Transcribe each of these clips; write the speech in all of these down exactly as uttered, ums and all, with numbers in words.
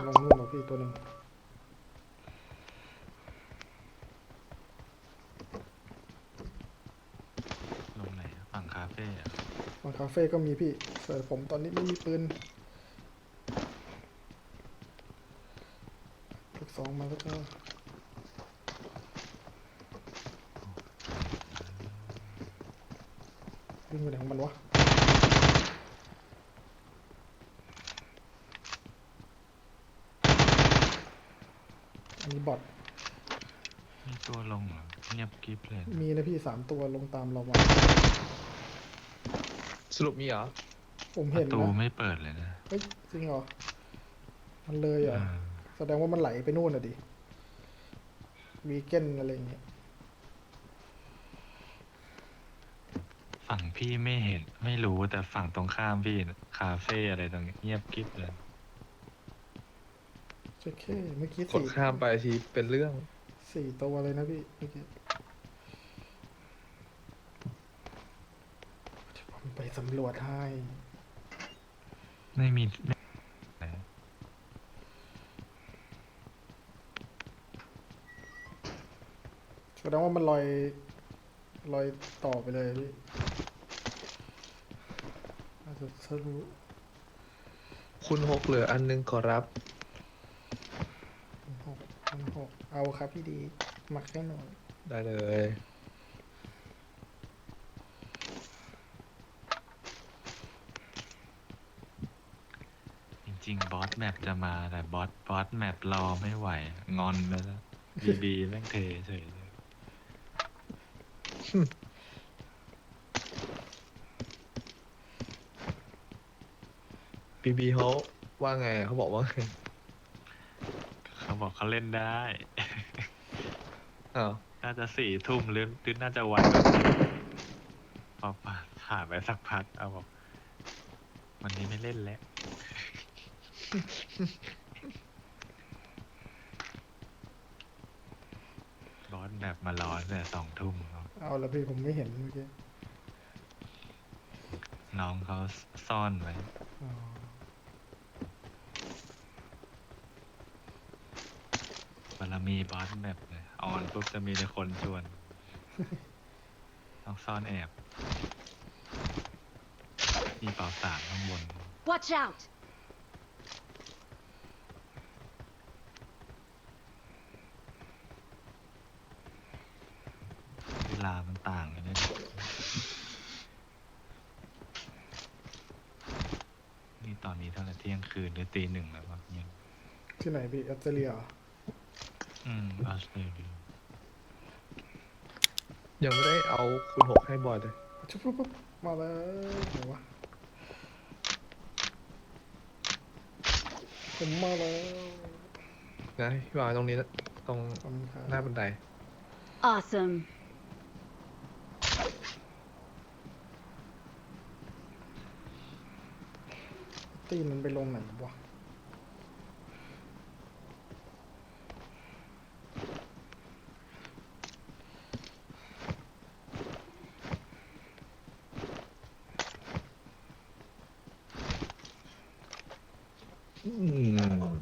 ล out งนู่นเหรอพี่ตัวหนึ่งลงไหนอะฝั่งคาเฟ่อะบางคาเฟ่ก็มีพี่แต่ผมตอนนี้ไม่มีปืนลูกสองมาแล้วก็วิ่งไปไหนของมันวะอันนี้บอทมีตัวลงเหรอเงียบกริบเลยนะมีนะพี่สามตัวลงตามเรามาสรุปมีเหรอผมปเห็นระตูนะไม่เปิดเลยนะเฮ้ยจริงเหรอมันเลยเหรเอออแสดงว่ามันไหลไปนู่นอ่ะดิวีเกนอะไรอย่างเงี้ยฝั่งพี่ไม่เห็นไม่รู้แต่ฝั่งตรงข้ามพี่น่ะคาเฟ่อะไรตรงนี้เงียบกริบเลยโอเคเมื่อกี้กดสี่ข้ามไปทีเป็นเรื่องสี่ตัวเลยนะพี่เมื่อกี้เดี๋ยวผมไปสำรวจให้ไม่มีไม่แสดงว่ามันลอยลอยต่อไปเลยพี่อาจจะทะลุคุณหกเหลืออันนึงขอรับหกพันหกเอาครับพี่ดีหมักให้หน่อยได้เลยจริงๆบอสแมปจะมาแต่บอสบอสแมปรอไม่ไหวงอนไปแล้วบีบีแม่งเทเฉยเลยบีบีเขาว่าไงเขาบอกว่าไงเขาบอกเขาเล่นได้อ้าวน่าจะสี่ทุ่มหรือหรือน่าจะวันกว่านี้พอผ่านไปสักพักเอาบอกวันนี้ไม่เล่นแล้ว บอสแบบมาร้อนแต่สองทุ่มครับเอาละพี่ผมไม่เห็นเมื่อกี้น้องเขาซ่อนไว้อ๋อบารมีบอสแบบเลยออนปุ๊บจะมีแต่คนชวน ต้องซ่อนแอบ มีเป่าสามข้างบน Watch out! เวลามันต่างกันเนี่ยนี่ตอนนี้เท่าไหร่เที่ยงคืนหรือตีหนึ่งแล้ววะเนี่ยที่ไหนพี่ออสเตรเลียเหรออืมออสเตรเลียยังไม่ได้เอาคุณหกให้บอยเลยชุบปุ๊บปุ๊บมาแล้วไหนวะผมมาแล้วนะพี่บอยตรงนี้นะตรงขอบคุณครับหน้าบันได Awesome. ตีนมันไปลงไหนวะอืม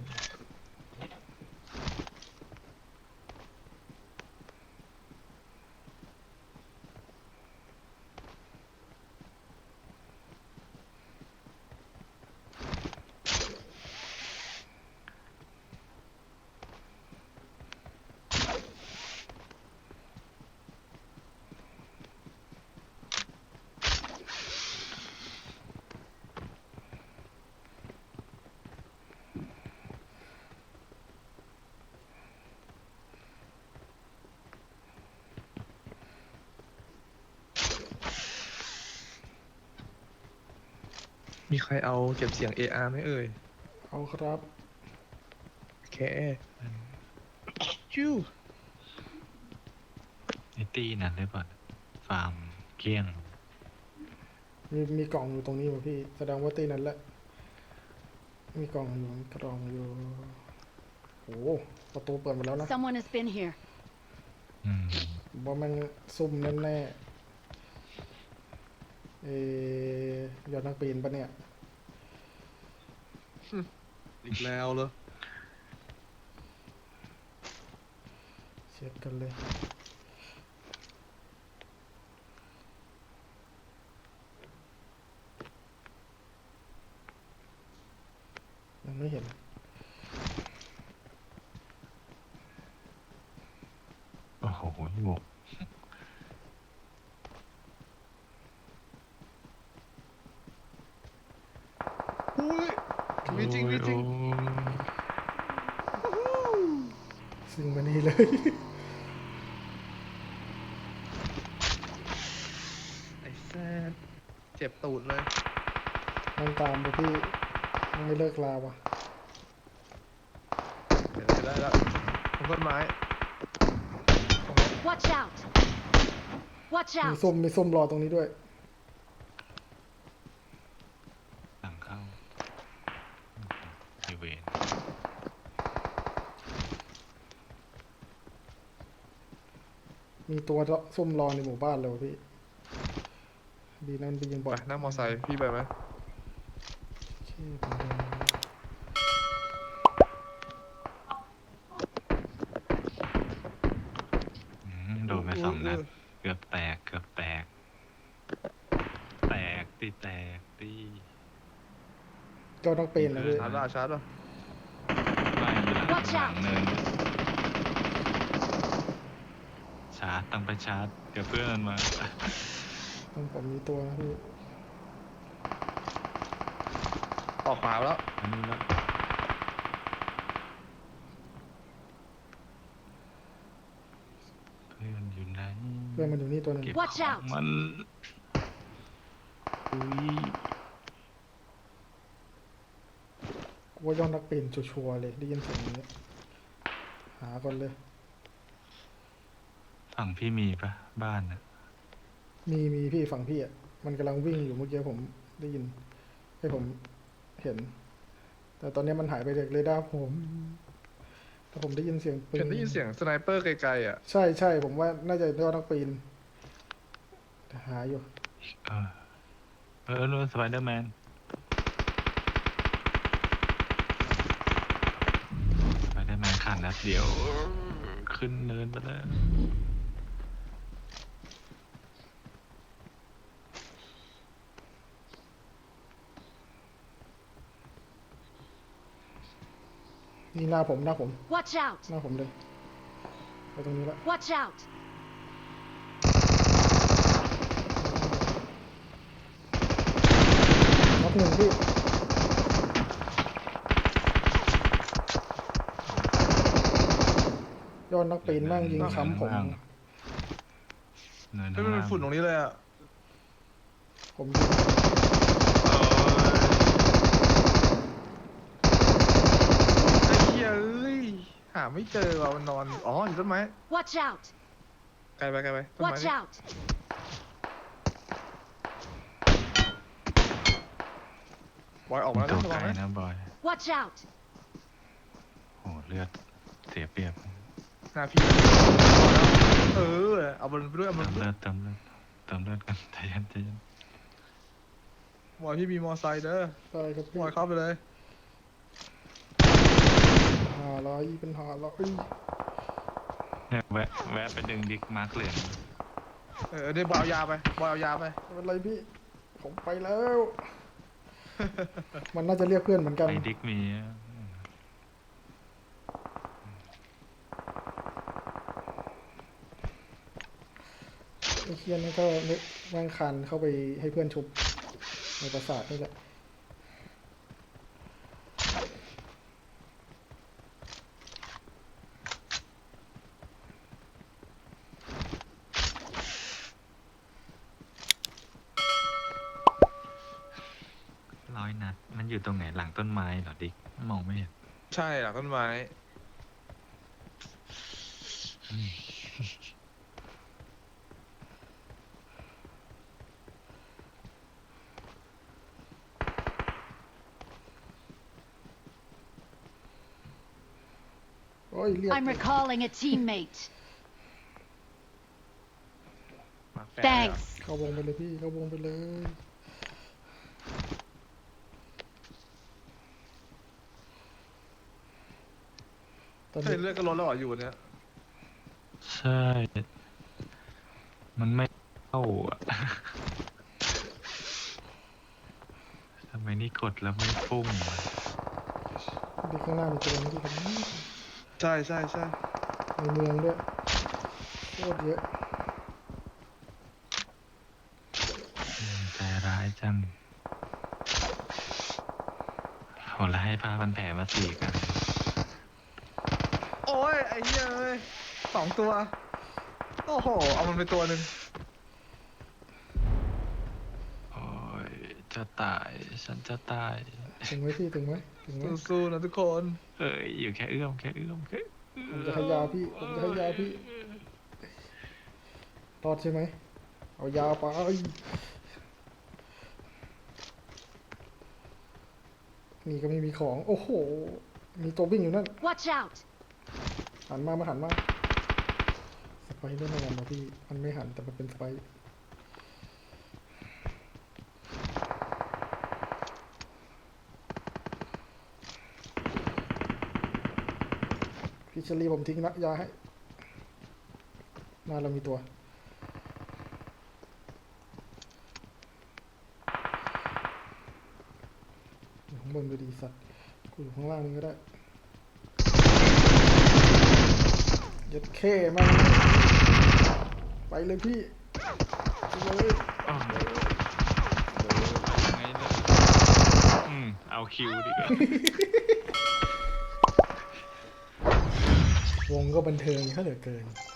มีใครเอาเก็บเสียง เอ อาร์ ไหมเอ่ยเอาครับโอเคจู้ไอตีนั้นได้ป่ะฟาร์มเกลี้ยงมีมีกล่องอยู่ตรงนี้วะพี่แสดงว่าตีนั้นแหละมีกล่องอยู่กล่องอยู่โอ้โหประตูเปิดหมดแล้วนะ Someone has been here. อืมผมว่ามันซุ่มแน่ๆเอยอดนักปีนปะเนี่ยอีกแล้วเหรอช็คกันเลยยังไม่เห็นโอ้โหบวกอุ้ยมีจริงมีจริงโอ้ยซึ่งมานี่เลยไอ้แซ่บเจ็บตูดเลยมันตามไปพี่ยังไม่เลิกลาวะเดี๋ยวจะได้แล้วตรงต้นไม้ Watch out! Watch มี out! ส้มมีส้มรอตรงนี้ด้วยหลังเข้าไอเวนมีตัวส้มรอในหมู่บ้านเลยวะพี่ ดีนั่นไปยิงบไปอดนั่งมอไซค์พี่ไปไหมโอเคผมเดินอืมโดนไปสองนัดเกือบแตกเกือบแตก แตกตีแตกตีเจ้าต้องเป็นนะพี่ชาร์จละชาร์จละไม่อยู่หลัง Watch หลัง out เนินชาร์จต้องไปชาร์จกับเพื่อนมาต้องผมมีตัวนะพี่ออกขวาแล้วอันนี้แล้วเพื่อนอยู่ไหนเพื่อนมันอยู่นี่ตัวหนึ่งเก็บ Watch ของ out มันอุ้ยกูว่ายอดนักเป็นชัวร์ๆเลยได้ยินเสียงนี้หาก่อนเลยฝั่งพี่มีปะบ้านน่ะมีมีพี่ฝั่งพี่อ่ะมันกำลังวิ่งอยู่เมื่อกี้ผมได้ยิน ให้ผมเห็น แต่ตอนนี้มันหายไปจากเรดาร์ผมแต่ผมได้ยินเสียงปืนเห็นได้ยินเสียงสไนเปอร์ไกลๆอ่ะใช่ใช่ผมว่าน่าจะยอดนักปีนแต่หาอยู่เออเออนู่นสไปเดอร์แมนสไปเดอร์แมนขาดนัดเดียว ขึ้นเนินไปแล้วนี่หน้าผมหน้าผม Watch out! หน้าผมเลยไปตรงนี้ละ Watch out! นับหนึ่งพี่ยอดนักปีนแม่งยิงค้ำผมเนินไม่ข้างเป็นล่างฝุ่นตรงนี้เลยอ่ะผมยิงไอ้เหี้ยเอ้ยหาไม่เจอว่ะมันนอนอ๋ออยู่ต้นไม้ Watch out! ไกลไปไกลไปต้นไม้ Watch นี่ out! บอยออกมาแล้วตัวระไกวัลงนะนะบอย Watch out! โหเลือดเสียเปรียบหน้าพี่เออเอาบอลไปด้วยเอาบอเติลมไปด้เลืวยอดเติมเลือดเติมเลือดกันใจเย็นใจเย็นบอยพี่มีมอไซค์เด้อใช่ครับพี่บอยเข้าไปเลยหาร้อยเป็นหาร้อยเนี่ยแวะแวะไปดึงดิกมาร์คเหลืองเออเดี๋ยวบอยเอายาไปบอยเอายาไปไม่เป็นไรพี่ ผมไปแล้ว มันน่าจะเรียกเพื่อนเหมือนกันไอ้ดิกมีไอ้เคียนนี่ก็แม่งคันเข้าไปให้เพื่อนชุบในปราสาทนี่แหละร้อยนัด มันอยู่ตรงไหนหลังต้นไม้เหรอดิกมองไม่เห็นใช่หลังต้นไม้อืมโอ้ยเรียก I'm recalling a teammate. มาแฟร์ Thanks. เข้าวงไปเลยพี่ เข้าวงไปเลย ตอนเฮ้นี้ยเลือดก็ลดแล้วเหรออยู่เนี่ยใช่ มันไม่เข้าอะ ทำไมนี่กดแล้วไม่พุ่งอะดีข้างหน้ามีตัวนึงที่ผมใช่ใช่ใช่ในเมืองด้วยโคตรเยอะอืมใจร้ายจังโหแล้วให้ผ้าพันแผลมาสี่กันโอ้ยไอ้เหี้ยเอ้ยสองตัว โอ้โห เอามันไปตัวหนึ่งโอ้ย จะตาย ฉันจะตายถึงไหมพี่ถึงไหมถึงไหมสู้ๆนะทุกคนเอ้ย อยู่แค่เอื้อมแค่เอื้อมแค่ผมจะให้ยาพี่ผมจะให้ยาพี่รอดใช่ไหมเอายาไปมีก็ไม่มีของ โอ้โห มีตัววิ่งอยู่นั่น Watch out! หันมามาหันมาสไปเดอร์แมนนะพี่มันไม่หันแต่มันเป็นสไปร์พี่เชอรี่ผมทิ้งนะยาให้หน้าเรามีตัวอยู่ข้างบนดูดีสัตว์กูอยู่ข้างล่างมึงก็ได้ยัดเข้มันไปเลยพี่ไปเลยอ้าวยังไงเนี่ยอืม เอาคิวดีกว่าวงก็บันเทิงเขาเหลือเกิน